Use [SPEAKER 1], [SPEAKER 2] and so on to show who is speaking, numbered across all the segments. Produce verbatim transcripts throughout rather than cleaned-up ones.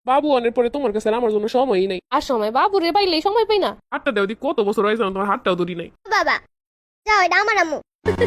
[SPEAKER 1] বাবু অনেক পরে তোমার কাছে আর আমার জন্য সময়ই নাই।
[SPEAKER 2] আর সময় বাবুরে বাইলেই সময় পাই না।
[SPEAKER 1] হাতটা দেও দি, কত বছর হয়েছে না তোমার হাতটাও ধরি নাই।
[SPEAKER 3] বাবা যাও, এটা আমার আম্মু।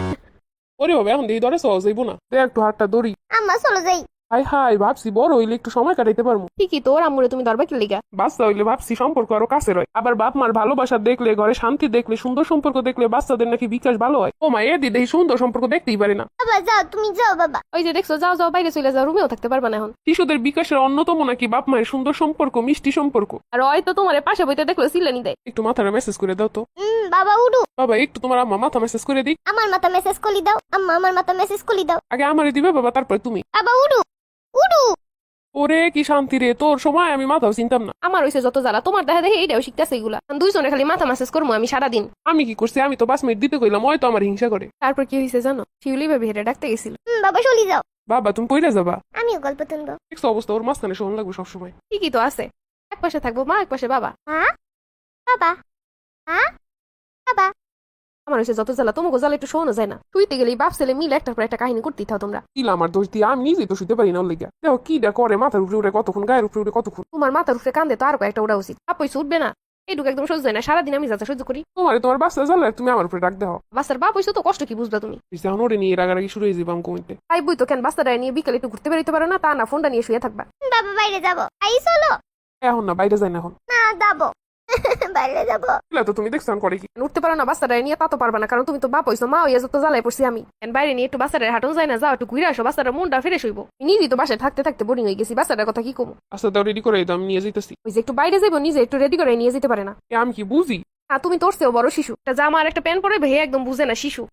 [SPEAKER 1] ওরে বাবা, এখন দিয়ে ধরে সহজ যাইবো না, দেখ একটু হাতটা ধরি।
[SPEAKER 3] আম্মা চলো যাই।
[SPEAKER 1] হাই হাই, ভাবছি বড় হইলে একটু সময় কাটাইতে পারবো।
[SPEAKER 2] ঠিকই তো, ওর আম্মুরে তুমি ধরবা কি লিগা?
[SPEAKER 1] বাচ্চা হইলে ভাবছি সম্পর্ক আরো কাছে হয়। আবার বাপ মার ভালোবাসা দেখলে, ঘরে শান্তি দেখলে, সুন্দর সম্পর্ক দেখলে বাচ্চাদের নাকি বিকাশ ভালো হয়। ও মা, এ দিদি সুন্দর সম্পর্ক দেখতেই পারে না।
[SPEAKER 3] বাবা যাও, তুমি যাও বাবা।
[SPEAKER 2] ওই যে দেখছো, যাও যাও বাইরে চলে যাও, রুমেও থাকতে পারবা না এখন।
[SPEAKER 1] শিশুদের বিকাশের অন্যতম নাকি বাপ মায়ের সুন্দর সম্পর্ক, মিষ্টি সম্পর্ক।
[SPEAKER 2] আর হয়তো তোমার পাশে বইতে দেখলো সিলানি দেয়।
[SPEAKER 1] একটু মাথাটা মেসেজ করে দাও তো।
[SPEAKER 3] হুম বাবা উঠু।
[SPEAKER 1] বাবা একটু তোমার আম্মা মাথা মেসেজ করে দিক।
[SPEAKER 3] আমার মাথা মেসেজ কলি দাও। আম্মা আমার মাথা মেসেজ কলি দাও।
[SPEAKER 1] আগে আমারে দিবে বাবা, তারপরে তুমি।
[SPEAKER 3] বাবা উঠু উঠু।
[SPEAKER 1] ওরে কি শান্তি রে, তোর সময় আমি মাথাও চিনতাম না।
[SPEAKER 2] আমার হইছে যত জ্বালা, তোমার দেখা দেখে এইটাও শিখতেছে এগুলা। দুইজনে খালি মাথা মেসেজ করবো আমি সারাদিন।
[SPEAKER 1] আমি কি করছি, আমি তো পাঁচ মিনিট দিতে কইলাম, ওই তো আমার হিংসা করে।
[SPEAKER 2] তারপর কি হয়েছে জানো, শিউলি ভাবি হেরে ডাকতে গেছিল।
[SPEAKER 3] হুম বাবা চলি যাও।
[SPEAKER 1] বাবা তুমি পইরা যাবা।
[SPEAKER 3] আমিও গল্প শুনবো।
[SPEAKER 1] দেখছো অবস্থা, ওর মাঝখানে শোন লাগবে সবসময়।
[SPEAKER 2] ঠিকই তো আছে, এক পাশে থাকবো মা, এক পাশে বাবা।
[SPEAKER 3] হ্যাঁ বাবা, হ্যাঁ বাবা।
[SPEAKER 2] আমার হয়েছে যত জ্বালা, তোমাকে জ্বালা একটু শোনো যায় না। শুইতে গেলেই বাপ ছেলে মিলে একটার পর একটা কাহিনী করতেই থাও তোমরা।
[SPEAKER 1] কি আমার দোষ দিয়ে, আমি নিজেই তো শুতে পারি না ওর লেগে। দেখো কি ডা করে, মাথার উপরে উঠে কতক্ষণ, গায়ের উপরে উঠে কতক্ষণ।
[SPEAKER 2] তোমার মাথার উপরে কান্দে তো আর কয়েকটা ওরা উচিত। বাপ হইছে উঠবে না, এইটুকু একদম সহ্য হয় না। সারাদিন আমি যাতে সহ্য করি।
[SPEAKER 1] তোমার তোমার বাচ্চা জ্বালা, তুমি আমার উপরে ডাক দেও।
[SPEAKER 2] বাচ্চার বাপ হইছে তো কষ্ট কি বুঝবা তুমি?
[SPEAKER 1] এখন ওরে নিয়ে রাগারাগি শুরু হয়ে যাবে আমি কমিতে।
[SPEAKER 2] তাই বই তো কেন বাচ্চাটা নিয়ে বিকালে একটু ঘুরতে বেরোতে পারো না? তা না, ফোনটা নিয়ে শুয়ে থাকবা।
[SPEAKER 3] বাবা বাইরে যাবো। আই চলো।
[SPEAKER 1] এখন না, বাইরে যাই না এখন।
[SPEAKER 3] না যাবো। বাইরে যাবো।
[SPEAKER 1] এগুলা তো তুমি দেখছো আমি করে কি।
[SPEAKER 2] উঠতে পারো না বাচ্চাটা নিয়ে, তা তো পারবা না, কারণ তুমি তো বাপ হইছো। মা হইয়া যত জ্বালায় পড়ছি আমি। কেন বাইরে নিয়ে একটু বাচ্চাটা হাঁটন যায় না? যাও একটু ঘুরে আসো, বাচ্চাটা মনটা ফ্রেশ হইব। নিজেই তো বাসায় থাকতে থাকতে বোরিং হয়ে গেছি, বাচ্চাটার কথা কি কমো।
[SPEAKER 1] আচ্ছা দাও, রেডি করে দাও, আমি নিয়ে যেতেছি।
[SPEAKER 2] ওই যে একটু বাইরে যাইবো, নিজে একটু রেডি করে নিয়ে যেতে পারে না।
[SPEAKER 1] এ আমি কি বুঝি?
[SPEAKER 2] হ্যাঁ তুমি তোর চেয়েও বড় শিশু। একটা জামা আর একটা প্যান্ট পরে ভেয়ে একদম বুঝে না শিশু।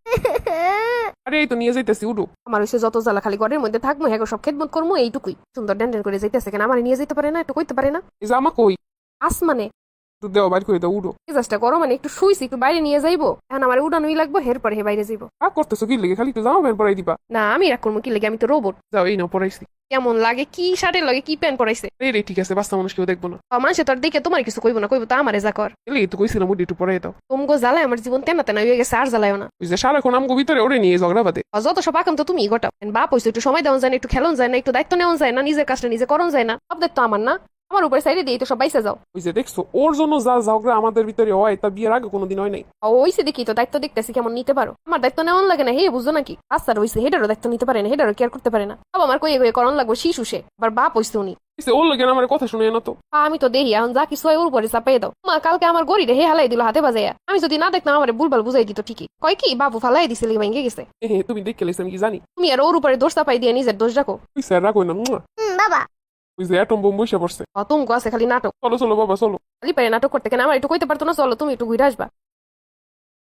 [SPEAKER 1] আরে এই তো নিয়ে যাইতেছি, উঠো।
[SPEAKER 2] আমার হইছে যত জ্বালা, খালি ঘরের মধ্যে থাকবো, হ্যাঁ সব খেদমত করবো, এইটুকুই। সুন্দর ড্যান ড্যান করে যাইতেছে, কেন আমার নিয়ে যেতে পারে না? একটু কইতে পারে না?
[SPEAKER 1] এই যে আমা কই,
[SPEAKER 2] আসমানে
[SPEAKER 1] একটু দেও, বাইর করে দাও, উঠো।
[SPEAKER 2] মেজাজটা করো, মানে একটু শুইছি, একটু বাইরে নিয়ে যাইবো। এখন আমার উড়ানোই লাগবো, হের পরে হে বাইরে যাইবো।
[SPEAKER 1] রাগ করতেছো কি লেগে, খালি একটু জামা প্যান্ট পরাই দিবা।
[SPEAKER 2] না আমি রাগ করবো কি লেগে, আমি তো রোবট।
[SPEAKER 1] যাও, এই নাও পরাইছি।
[SPEAKER 2] কেমন লাগে, কি শার্টের লাগে কি প্যান্ট পরাইছে।
[SPEAKER 1] রে রে ঠিক আছে, বাচ্চা মানুষ কেউ দেখবো না।
[SPEAKER 2] মানুষে তোর দেখে তোমার কিছু কইবো না, কইবো তো আমারে যা কর।
[SPEAKER 1] এলে তো কইছিলাম উঠে একটু পরাই দাও।
[SPEAKER 2] তোমগো জ্বালায় আমার জীবন তেনা তেনা হয়ে গেছে, আর জ্বালায় না।
[SPEAKER 1] ওই যে সারাক্ষণ আমগো ভিতরে ওরে নিয়ে ঝগড়া বাদে।
[SPEAKER 2] আর যত সব আকাম তো তুমি গোটাও। বাপ হইছে, একটু সময় দেওয়া যায় না, একটু খেলন যায় না, একটু দায়িত্ব নেওয়া যায় না, নিজের কাজটা নিজে করন যায় না। সব দায়িত্ব আমার না, আমার উপরে সাইডে দিয়ে তো সব বাইসে যাও।
[SPEAKER 1] ওই যে দেখছো, ওর জন্য যা ঝগড়া আমাদের ভিতরে হয় তা বিয়ের আগে কোনোদিন হয় নাই।
[SPEAKER 2] ওইসে দেখি তো দায়িত্ব দেখতেছি কেমন নিতে পারো। আমার দায়িত্ব নেওয়ান লাগে না, হে বুঝছো নাকি? আচ্ছা হইছে, হেডারও দায়িত্ব নিতে পারে না, হেডারও কেয়ার করতে পারে না। বাবা আমার কয়ে কয়ে করন লাগবো, শিশু সে আবার বাপ হইছে উনি।
[SPEAKER 1] এসে ওর লাগে আমার কথা শুনে না তো।
[SPEAKER 2] আমি তো দেখি এখন যা কিছু হয় ওর উপরে চাপাই দাও। মা কালকে আমার গড়িরে হে হালাই দিল হাতে বাজাইয়া। আমি যদি না দেখতাম আমার বুলবাল বুঝাই দিত ঠিকই। কয় কি বাবু ফালাই দিছিল, ভেঙে গেছে।
[SPEAKER 1] এ হে, তুমি দেখে লেছি আমি কি জানি।
[SPEAKER 2] তুমি আর ওর উপরে দোষ চাপাই দিয়ে নিজের দোষ রাখো।
[SPEAKER 1] ওই স্যার রাখো না। মুয়া।
[SPEAKER 3] হুম বাবা।
[SPEAKER 1] ওই যে অ্যাটম বোম বসে পড়ছে।
[SPEAKER 2] তুমি আছে খালি নাটক।
[SPEAKER 1] চলো চলো বাবা চলো।
[SPEAKER 2] খালি পারে নাটক করতে, কেন আমার একটু কইতে পারতো না? চলো তুমি একটু ঘুরে আসবা।